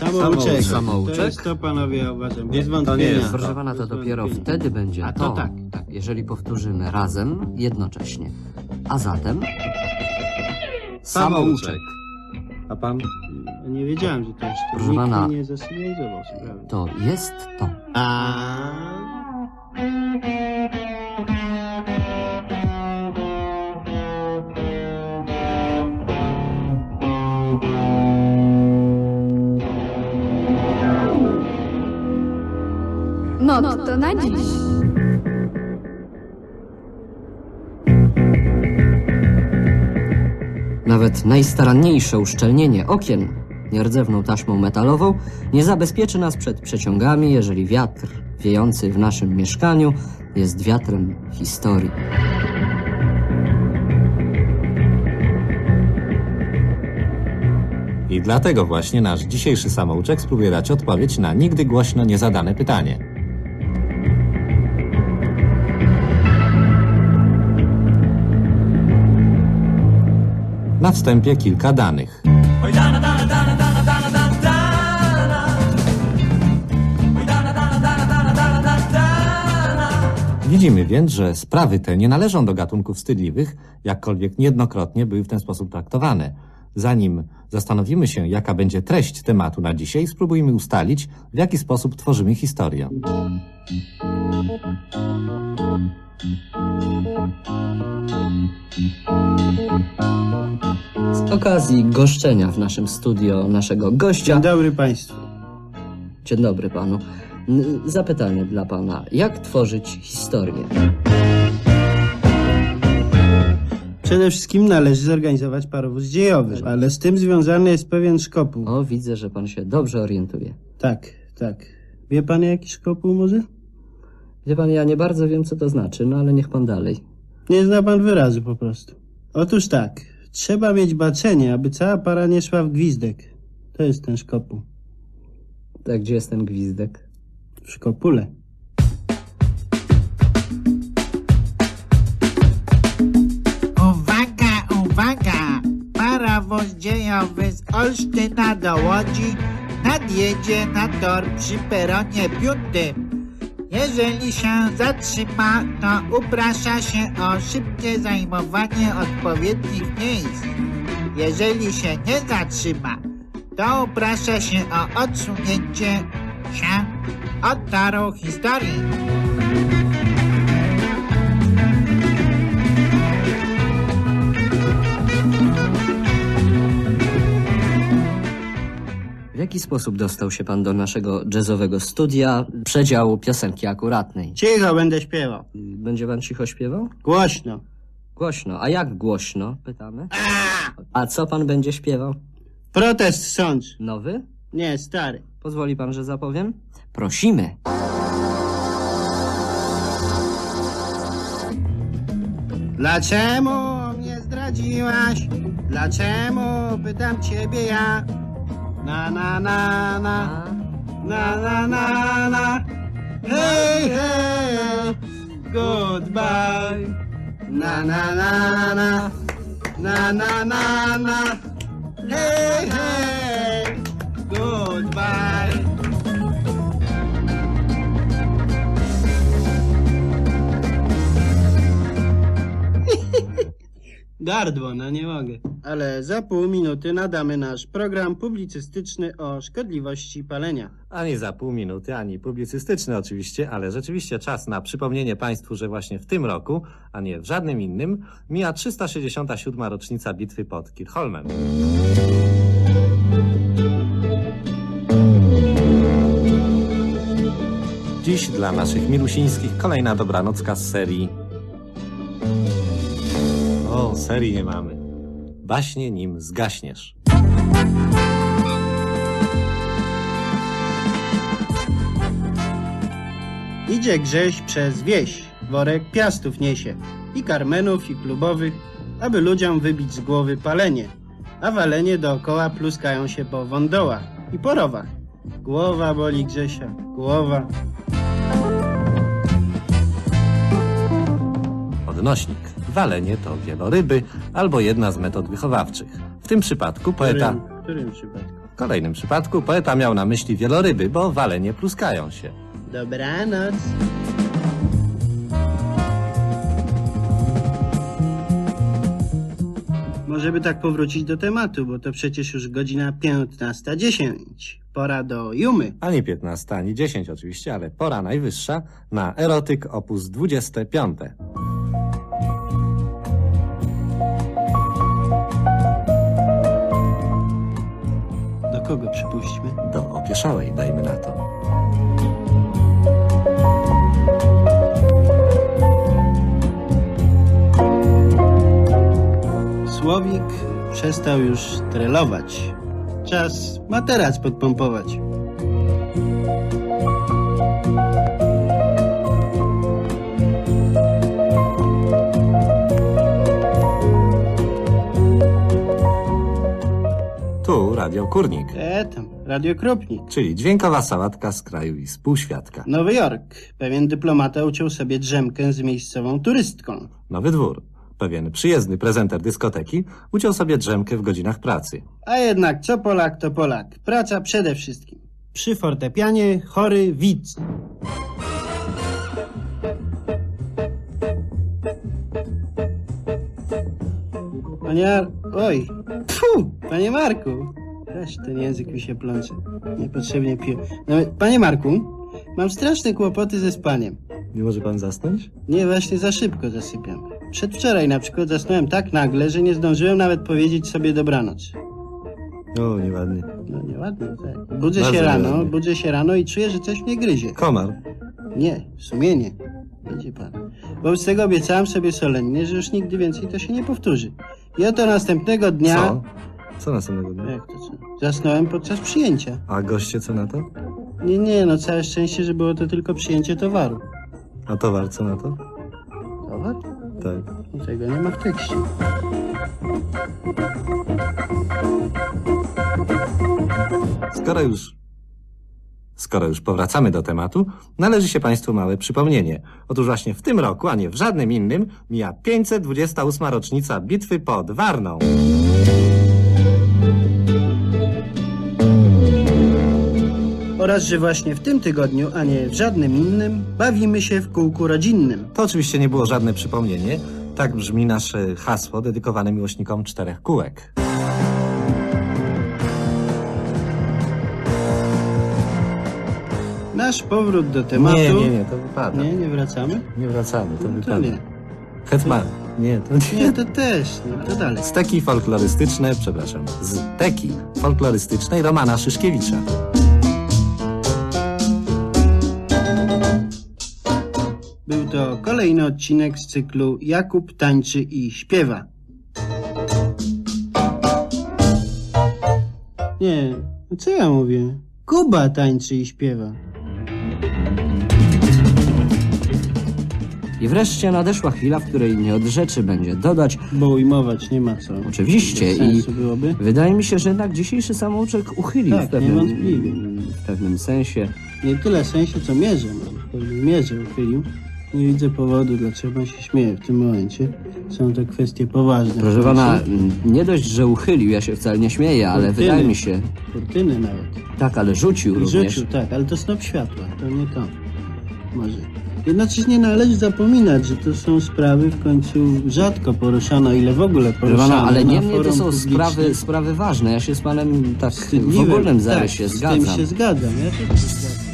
Samouczek. Samouczek? To jest to, panowie, ja uważam, bez To wątpienia. nie jest. Proszę pana, to Bez dopiero wątpienia. wtedy będzie A to, to tak. jeżeli powtórzymy razem, jednocześnie. A zatem... Samouczek. A pan? Nie wiedziałem, że to jest to. Proszę Nikt pana. mi nie zasygnalizował sprawy. To jest to. Motto na dziś. Nawet najstaranniejsze uszczelnienie okien nierdzewną taśmą metalową nie zabezpieczy nas przed przeciągami, jeżeli wiatr wiejący w naszym mieszkaniu jest wiatrem historii. I dlatego właśnie nasz dzisiejszy samouczek spróbuje dać odpowiedź na nigdy głośno niezadane pytanie. Na wstępie kilka danych. Widzimy więc, że sprawy te nie należą do gatunków wstydliwych, jakkolwiek niejednokrotnie były w ten sposób traktowane. Zanim zastanowimy się, jaka będzie treść tematu na dzisiaj, spróbujmy ustalić, w jaki sposób tworzymy historię. Z okazji goszczenia w naszym studio naszego gościa... Dzień dobry państwu. Dzień dobry panu. Zapytanie dla pana. Jak tworzyć historię? Przede wszystkim należy zorganizować parowóz dziejowy, ale z tym związany jest pewien szkopuł. O, widzę, że pan się dobrze orientuje. Tak, tak. Wie pan jaki szkopuł może? Wie pan, ja nie bardzo wiem, co to znaczy, no ale niech pan dalej. Nie zna pan wyrazu po prostu. Otóż tak, trzeba mieć baczenie, aby cała para nie szła w gwizdek. To jest ten szkopuł. Tak, gdzie jest ten gwizdek? W szkopule. Uwaga, uwaga! Parowóz dziejowy z Olsztyna do Łodzi nadjedzie na tor przy peronie 5. Jeżeli się zatrzyma, to uprasza się o szybkie zajmowanie odpowiednich miejsc. Jeżeli się nie zatrzyma, to uprasza się o odsunięcie się od toru historii. W jaki sposób dostał się pan do naszego jazzowego studia, przedziału piosenki akuratnej? Cicho, będę śpiewał. Będzie pan cicho śpiewał? Głośno. Głośno. A jak głośno? Pytamy. A co pan będzie śpiewał? Protest sądz. Nowy? Nie, stary. Pozwoli pan, że zapowiem? Prosimy. Dlaczego mnie zdradziłaś? Dlaczego pytam ciebie ja? Na na na na na na na na. Hej, hej, goodbye. Na na na na na na na na. Hej, hej, goodbye. Gardło, no nie mogę. Ale za pół minuty nadamy nasz program publicystyczny o szkodliwości palenia. Ani za pół minuty, ani publicystyczny oczywiście, ale rzeczywiście czas na przypomnienie państwu, że właśnie w tym roku, a nie w żadnym innym, mija 367. rocznica bitwy pod Kirchholmem. Dziś dla naszych milusińskich kolejna dobranocka z serii... O, serii nie mamy. Baśnie nim zgaśniesz. Idzie Grześ przez wieś, worek piastów niesie, i karmenów, i klubowych, aby ludziom wybić z głowy palenie, a walenie dookoła pluskają się po wądołach i po rowach. Głowa boli Grzesia, głowa. Odnośnik. Walenie to wieloryby albo jedna z metod wychowawczych. W tym przypadku poeta... W którym przypadku? W kolejnym przypadku poeta miał na myśli wieloryby, bo walenie pluskają się. Dobranoc. Może by tak powrócić do tematu, bo to przecież już godzina 15:10. Pora do Jumy. Ani 15, ani 10 oczywiście, ale pora najwyższa na erotyk op. 25. Do kogo przypuśćmy? Do opieszałej, dajmy na to. Słowik przestał już trelować. Czas materac podpompować. Tu Radio Kurnik, Tam, radiokropnik. czyli dźwiękowa sałatka z kraju i z półświadka. Nowy Jork. Pewien dyplomata uciął sobie drzemkę z miejscową turystką. Nowy Dwór. Pewien przyjezdny prezenter dyskoteki uciął sobie drzemkę w godzinach pracy. A jednak co Polak, to Polak. Praca przede wszystkim. Przy fortepianie chory widz. Oj. Pfu, panie Marku. Weź, ten język mi się plącze. Niepotrzebnie piję. No, panie Marku, mam straszne kłopoty ze spaniem. Nie może pan zasnąć? Nie, właśnie za szybko zasypiam. Przedwczoraj na przykład zasnąłem tak nagle, że nie zdążyłem nawet powiedzieć sobie dobranoc. O, nieładnie. No nieładnie, tak. Budzę Bardzo się rano i czuję, że coś mnie gryzie. Komar. Nie, sumienie. Widzi pan. Wobec tego obiecałem sobie solennie, że już nigdy więcej to się nie powtórzy. I oto następnego dnia... Co? Co następnego dnia? Jak to co? Zasnąłem podczas przyjęcia. A goście co na to? Nie, no całe szczęście, że było to tylko przyjęcie towaru. A towar co na to? Towar? Tak. No, tego nie ma w tekście. Skoro już powracamy do tematu, należy się Państwu małe przypomnienie. Otóż właśnie w tym roku, a nie w żadnym innym, mija 528. rocznica bitwy pod Warną. Oraz, że właśnie w tym tygodniu, a nie w żadnym innym, bawimy się w kółku rodzinnym. To oczywiście nie było żadne przypomnienie. Tak brzmi nasze hasło dedykowane miłośnikom 4 kółek. Nasz powrót do tematu... Nie, to wypada. Nie wracamy? Nie wracamy, to To wypada. nie. Hetman, nie, to nie. Nie, to też nie. To dalej. Steki folklorystyczne, przepraszam, z teki folklorystycznej Romana Szyszkiewicza. Był to kolejny odcinek z cyklu Jakub tańczy i śpiewa. Nie, no co ja mówię? Kuba tańczy i śpiewa. I wreszcie nadeszła chwila, w której nie od rzeczy będzie dodać. Bo ujmować nie ma co. Oczywiście Bez sensu byłoby. wydaje mi się, że jednak dzisiejszy samouczek uchylił Tak, w pewnym sensie. Nie tyle sensie, co mierze. No, w pewnej mierze uchylił. Nie widzę powodu, dlaczego pan się śmieje w tym momencie. Są to kwestie poważne. Proszę pana, nie dość, że uchylił, ja się wcale nie śmieję, ale Kurtyny. wydaje mi się... Kurtyny nawet. Tak, ale rzucił I również. rzucił, tak, ale to snop światła, to nie to. Może. Jednocześnie należy zapominać, że to są sprawy w końcu rzadko poruszane, o ile w ogóle Proszę pana, poruszane. ale na niemniej to forum są publicznym. sprawy ważne. Ja się z panem tak w Wstydliwym. ogólnym zarysie tak, zgadzam. Z tym się zgadzam, ja też się zgadzam.